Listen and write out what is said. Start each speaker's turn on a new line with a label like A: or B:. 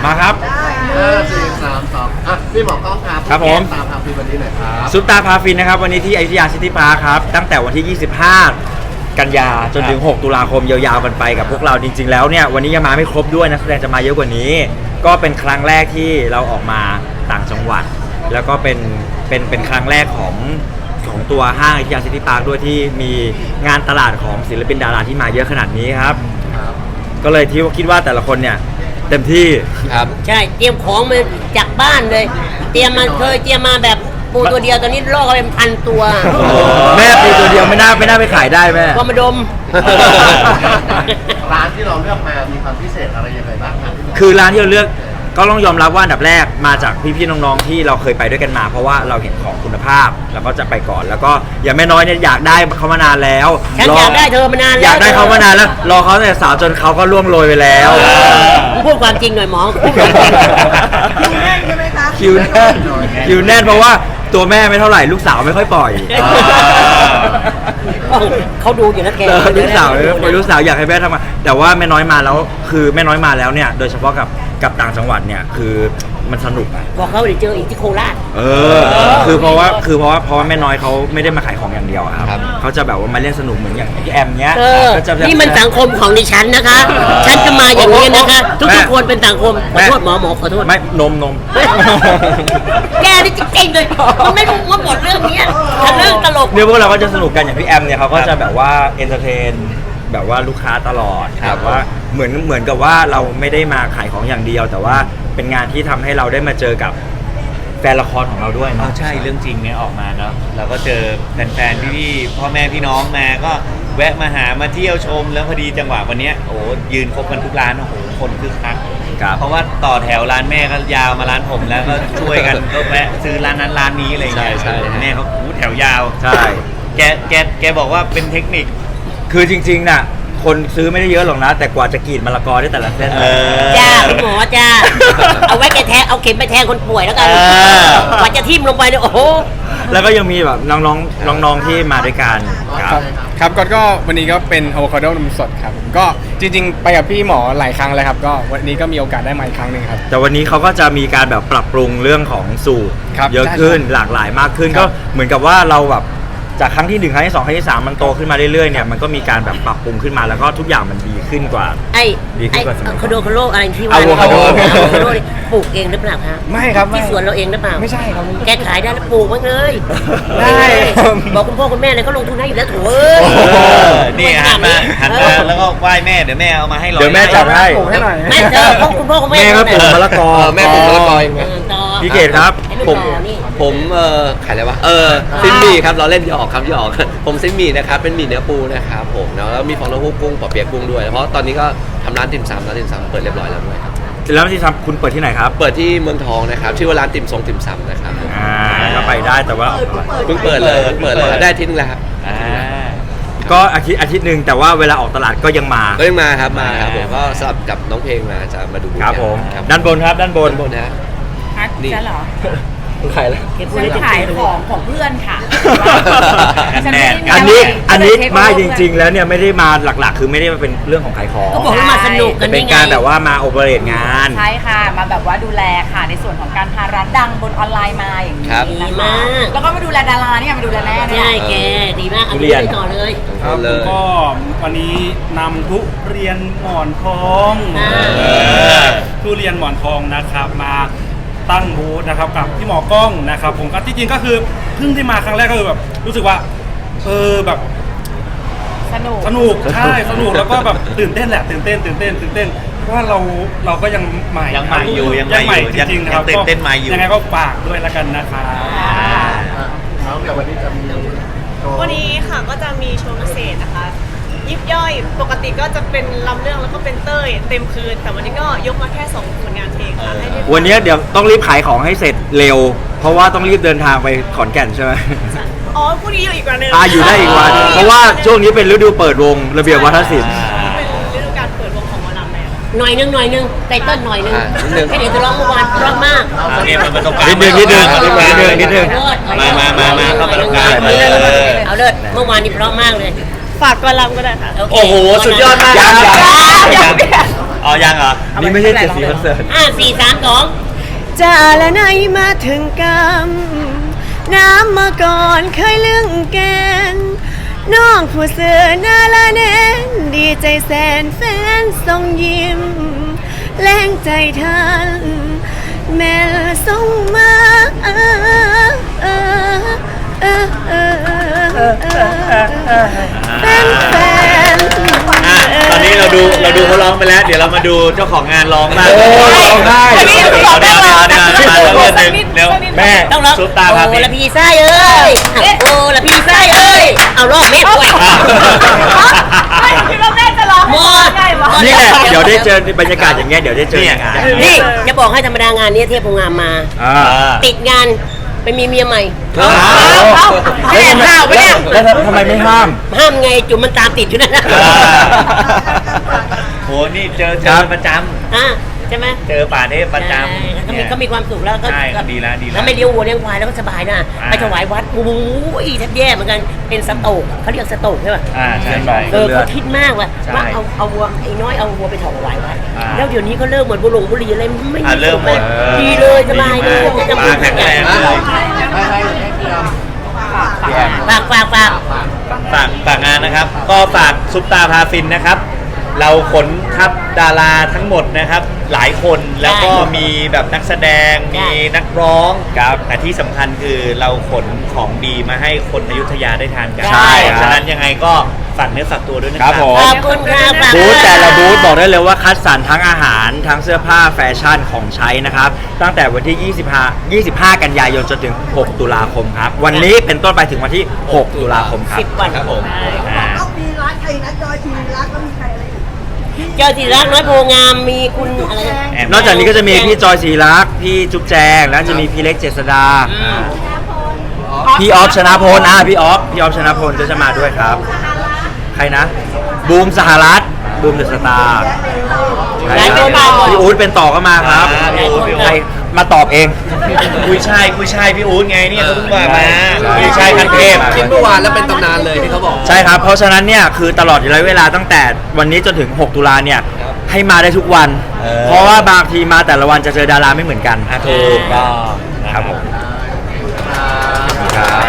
A: มาครับ
B: 4 3 2พี่หมอกล้องครับ
A: ครับผม
B: ตามพาฟินวันนี้หน่อยครับ
A: ซุปตาพาฟินนะครับวันนี้ที่อยุธยาซิตี้พาร์คครับตั้งแต่วันที่ 25 กันยาจนถึง 6 ตุลาคมยาวๆกันไปกับพวกเราจริงๆแล้วเนี่ยวันนี้ยังมาไม่ครบด้วยนักแสดงจะมาเยอะกว่านี้ ก็เป็นครั้งแรกที่เราออกมาต่างจังหวัด แล้วก็เป็นครั้งแรกของตัวห้างอยุธยาซิตี้พาร์คด้วยที่มีงานตลาดของศิลปินดาราที่มาเยอะขนาดนี้ครับก็เลยที่คิดว่าแต่ละคนเนี่ยเต็มที่
C: ครับ
D: ใช่เตรียมของมาจากบ้านเลย เตรียมมาแบบปูตัวเดียวตอนนี้ล่อกันเป็นพันตัว
A: แม่ปูตัวเดียวไม่น่าไปขายได้แม่
D: ก็มาดม
B: ร้านที่เราเลือกมามีความพิเศษอะไรยังไงบ้างครับ
A: คือร้านที่เราเลือกก็ต้องยอมรับว่าอันดับแรกมาจากพี่ๆน้องๆที่เราเคยไปด้วยกันมา เพราะว่าเราเห็นของคุณภาพแล้วก็จะไปก่อนแล้วก็อย่างแม่น้อยเนี่ยอยากได้เขามานานแล้ว
D: ฉันอยากได้เธอมานานแล้ว
A: อยากได้เขามานานแล้วรอเขาตั้งแต่สาวจนเขาก็ล่วงโรยไปแล้ว
D: พูดความจริงหน่อยหมอ
E: คิวแน่นใช่ไหมคะ
A: คิวแน่นเพราะว่าตัวแม่ไม่เท่าไหร่ลูกสาวไม่ค่อยปล่อย
D: เขาดูอยู่นะแก
A: ลูกสาวอยากให้แม่ทำมาแต่ว่าแม่น้อยมาแล้วคือแม่น้อยมาแล้วเนี่ยโดยเฉพาะกับต่างจังหวัดเนี่ยคือมันสนุก
D: บอกเขาเดี๋ยวเจออีกที่โคราช
A: คือเพราะว่าแม่น้อยเขาไม่ได้มาขายของอย่างเดียวอะครับเขาจะแบบว่ามาเล่นสนุกเหมือนอย่างพี่แอมเนี้ยก็จะ
D: นี่มันสังคมของดิฉันนะคะ ฉันจะมาอย่างนี้นะคะ ทุกๆคนเป็นสังคมขอโทษหมอขอโทษ
A: ไม่นม
D: แกนี่จริงๆเลยมันไม่รู้ว่าบทเรื่องนี้ทะลึ่งตลก
A: เนี่ยพวกเราก็จะสนุกกันอย่างพี่แอมเนี่ยเขาก็จะแบบว่าเอนเตอร์เทนแบบว่าลูกค้าตลอดแบบว่าเหมือนกับว่าเราไม่ได้มาขายของอย่างเดียว แต่ว่าเป็นงานที่ทำให้เราได้มาเจอกับแฟนละครของเราด้วยเนาะ
C: ใช่เรื่องจริงเนี่ยออกมาเนาะเราก็เจอแฟนๆพี่ๆพ่อแม่พี่น้องมาก็แวะมาหามาเที่ยวชมแล้วพอดีจังหวะวันเนี้ยโอ้ยืนครบกันทุกร้านโอ้โหคนคึกคัก
A: ครับ
C: เพราะว่าต่อแถวร้านแม่ก็ยาวมาร้านผมแล้วก็ช่วยกันก็แวะซื้อร้านนั้นร้านนี้อะไรอย่างเงี้ย
A: ใช่
C: แม่เขาแถวยาว
A: ใช่
C: แกบอกว่าเป็นเทคนิค
A: คือจริงๆน่ะคนซื้อไม่ได้เยอะหรอกนะ แต่กว่าจะกรีดมะละกอได้แต่ละเส้น
D: จ้าคุณหมอจ้า เอาไว้แกแทงเอาเข็มไปแทงคนป่วยแล้วกันกว่าจะทิ่มลงไปเนี่ยโอ้โห
A: แล้วก็ยังมีแบบน้องๆที่มาด้วยกันครับ
F: ครับก็วันนี้ก็เป็นอะโวคาโดนมสดครับก็จริงๆไปกับพี่หมอหลายครั้งแล้วครับก็วันนี้ก็มีโอกาสได้มาอีกครั้งหนึ่งครับ
A: แต่วันนี้เขาก็จะมีการแบบปรับปรุงเรื่องของสูตร
F: ครับ
A: เยอะขึ้น
F: ใช่
A: หลากหลายมากขึ้น
F: ครั
A: ก็
F: บ
A: เหมือนกับว่าเราแบบจากครั้งที่1ครั้งที่2ครั้งที่3มันโตขึ้นมาเรื่อยๆเนี่ยมันก็มีการแบบปรับปรุงขึ้นมาแล้วก็ทุกอย่างมันดีขึ้นกว่า ดีขึ้นกว่าสมัยก่อน
D: คาโดอะไรที่ว่า
A: อะโวคาโด
D: ปลูกเองหรือเปล่าคะ
F: ไม่ครับ
D: ที่สวนเราเองหรือเปล่า
F: ไม่ใช่ครับ
D: แกขายได้แล้วปลูกมั้งเลย
F: ได้ครับ
D: บอกคุณพ่อคุณแม่เลยเขาลงทุนให้อยู่แล้วโถู
C: นี่หันมาแล้วก็ไหว้แม่เดี๋ยวแม่เอามาให้เรา
A: เดี๋ยวแม่จัดให้
F: ปลูกให้หน่อย
D: แม่เจอของคุณพ่อคุณแม่
A: แม่ก็ปลูกมะละกอ
C: แม่ปลูกมะละกอเอง
D: ต่อ
A: พี่เกดครับ
D: ให้ลูก
G: ผม
D: ต่อนี่
G: ผมขายอะไรวะซินหมี่ครับเราเล่นหยอกครับหยอก ผมซินหมี่นะครับเป็นหมี่เนื้อปูนะครับผมเนาะแล้วมีฟองเต้าหู้กุ้งปอเปี๊ยะกุ้งด้วยเพราะตอนนี้ก็ทำร้านติ่มซำเปิดเรียบร้อยแล้วด้วยครับ
A: แล้วที่ทำคุณเปิดที่ไหนครับ
G: เปิดที่เมืองทองนะครับชื่อว่าร้านติ่มซำนะครับผม
A: ก็ไปได้แต่ว่า
G: เพิ่งเปิดเลยได้อาทิตย์นึงแล้วครับ
A: ก็อาทิตย์หนึ่งแต่ว่าเวลาออกตลาดก็ยังมา
G: ก็ยังมาครับผมก็สลับกับน้องเพลงมาจะมาดู
A: ครับผม
G: ครับ
A: ด้านบนครับด้านบน
G: บนนะ นี่
E: ฉันเหรอ
G: ใครล่ะ
E: ฉันขายของเพื่อนค่ะ
C: กันแดด
A: อันนี้มาจริงๆแล้วเนี่ยไม่ได้มาหลักๆ คือไม่ได้มาเป็นเรื่องของขายของ
D: ก็บอกว่ามาสนุกกัน
A: เป็น
D: นี่ไง
A: การแบบว่ามาโอเปเรตงาน
E: ใช่ค่ะ มาแบบว่าดูแลค่ะในส่วนของการพาร้านดังบนออนไลน์มาอย่างนี้
G: ครับ
D: ดี
E: นะคะ
D: มาก
E: แล้วก็มาดูแลดาราเนี่ยมาดูแลแม่เนี่ย
D: ใช่แกดีมากเอา
A: ทุ
D: ไป
A: เรียน
D: ต่อเลย
F: ครับ
G: เลย
F: ก็วันนี้นำทุเรียนหมอนทอง ทุเรียนหมอนทองนะครับมาตั้งบูธนะครับกับพี่หมอกล้องนะครับผมก็ที่จริงก็คือเพิ่งที่มาครั้งแรกก็คือแบบรู้สึกว่าแบบ
E: สนุก
F: สนุกใช่สนุกแล้วก็แบบตื่นเต้นแหละตื่นเต้นเพราะว่าเราก็ยังใหม่
C: ยังใหม่อยู่ยังใหม่อยู่
F: จริงๆครับ
C: ยังตื่นเต้นใหม่อยู่
F: ยังไงก็ฝากด้วยแล้วกันนะครับ
B: แล้วเดี๋ยววันนี้จะมีโชว์
H: วันนี้ค่ะก็จะมีโชว์พิเศษนะคะ ยิบย่อยปกติก็จะเป็นลำเรื่องแล้วก็เป็นเต้ยเต็มคืน แต่วันนี้ก็ยกมาแค่2ผลงานเพลงค่ะให้ได้ฟัง
A: วันนี้เดี๋ยวต้องรีบขายของให้เสร็จเร็ว เพราะว่าต้องรีบเดินทางไปขอนแก่นใช่ไหม
H: อ๋อพรุ่งนี้อยู่อีกวันหนึง
A: อยู่ได้อีกวันเพราะว่าช่วงนี้เป็นฤดูเปิดวงระเบียบวัฒนศิลป์
H: เป็นฤดูการเปิดวงของหมอลำแล้ว
D: หน่อยนึงไตเติ้ลหน่อยนึง
G: นิดนึง
D: แค่เดี๋ยวจะร้องเมื่อวานเพราะมาก
C: เนี่ยมันตรงกลาง
A: นิดนึง
C: นิดนึง
D: มา
C: เข้ามาตรงกลาง
D: เอาเลิศเมื่อวานนี้เพราะมากเลย
H: ฝากกอลำก็ได้ค่ะ
D: โอเค
G: โอ้โหสุดยอดมากครับ
C: อ๋อยังเหรอ
A: นี่ไม่ใช่เจ็ดสีคอนเสิร์ต
D: 4 3 2
H: จะและไหนมาถึงกรรมน้ำมาก่อนเคยเรื่องแกนน้องผู้เสือหน้าละแนนดีใจแสนแฟนทรงยิ้มแรงใจทันแม่ส่งมาแฟน
C: ตอนนี้เราดูเขาร้องไปแล้ว เดี๋ยวเรามาดูเจ้าของงานร้องบ้าง
A: โอ้ร้องได้
C: เดี๋ยวเร็วแม่
D: ต้องร้อง
C: ซุปตาพา
D: โอ้
C: ฟิน
D: ละพี่ไส้เอ้ยโอ้ละพี่ไส้เอ้ยเอารอบแม่ป่วย
E: ไม่คิดว่าแม่จะร้อง
D: หมด
E: ไงวะ
A: นี่แหละเดี๋ยวได้เจอบรรยากาศอย่างเงี้ยเดี๋ยวได้เจอในงาน
D: นี่จะบอกให้ธรรมดางานนี้เทพโพงามมา
A: อ่า
D: ติดงานไปมีเมียใหม่
A: แม่ห้ามไม่ได้แล้วทำไมไม่ห้าม
D: ห้ามไงจุ่มมันตามติดอยู่นั่นนะ
C: โหนี่เจอ
A: ครับ
C: ประจ
D: ใช่ไหม
C: ำเจอป่าเทพประจ
D: ใช่
C: ำ
D: ก็มีความสุขแล้วก็
C: ใช่ดีแล้วดีแล้ว
D: ถ้าไม่เลี้ยววัวเลี้ยงควายแล้วก็สบายนะ
C: อ่า
D: ไปถวายวัดโอ้ยแทบแย่เหมือนกันเป็นสโตกเขาเรียกสโตกใช่ป่ะ
C: ใช่ใช่
D: เขาคิดมากว่า
C: ใช่
D: ว่าเอาวัวไอ้น้อยเอาวัวไปถวายวัด
C: อ่า
D: แล้วเดี๋ยวนี้ก็เลิกเหมือนบุหรี่บุหรี่อะไรไม่มี
C: เริ่มหมด
D: ดีเลยสบายเลย
C: ดีมากแข็งแรงเลย ฝากงานนะครับ ก็ฝากซุปตาพาฟินนะครับ เราขนทัพดาราทั้งหมดนะครับ หลายคนแล้วก็มีแบบนักแสดงมีนักร้องครับแต่ที่สำคัญคือเราขนของดีมาให้คนอยุธยาได้ทานกัน
A: ใช่ครับ
C: ฉะนั้นยังไงก็ฝากเนื้อฝากตัวด้วยนะค
A: ครั
C: รับบ
A: ผม
D: ขอบคุณครับ
A: บูธแต่ละบูธบอกได้เลยว่าคัดสรรทั้งอาหารทั้งเสื้อผ้าแฟชั่นของใช้นะครับ ตั้งแต่วันที่ 25 กันยายนจนถึง 6 ตุลาคมครับ วันนี้เป็นต้นไปถึงวันที่ 6 ตุลาคมครับ
D: 10 วัน
C: ครับผมอ่า
I: มีร้านใครนะจอยทีรักก็มีใครอะไรอีก
D: เจ้าที่รักน้อยโพงามมีคุณอะไรนะ
A: นอกจากนี้ก็จะมีพี่จอยศรีรักษ์พี่จุ๊บแจง แล้วจะมีพี่เล็กเจษดา พี่ออฟชนะพลพี่ออฟชนะพลก็จะมาด้วยครับ ใครนะ บูมสหรัฐบูมเดอะสตาร์ใช่ครับพี่อู๊ดเป็นต่อก็มาครับ
C: พี่อู๊ด
A: ใครมาตอบเอง
C: กุยช่ายพี่อู๊ดไงเนี่ยเขาเพิ่งมา
A: ใช่
C: กุยช่ายคันเทพ
G: คิดเมื่อวานแล้วเป็นตำนานเลยที่เขาบอก
A: ใช่ครับ เพราะฉะนั้นเนี่ยคือตลอดระยะเวลาตั้งแต่วันนี้จนถึง 6 ตุลาเนี่ยให้มาได้ทุกวัน เพราะว่าบางทีมาแต่ละวันจะเจอดาราไม่เหมือนกัน
C: ถูกต้อง
A: ครับผมครับ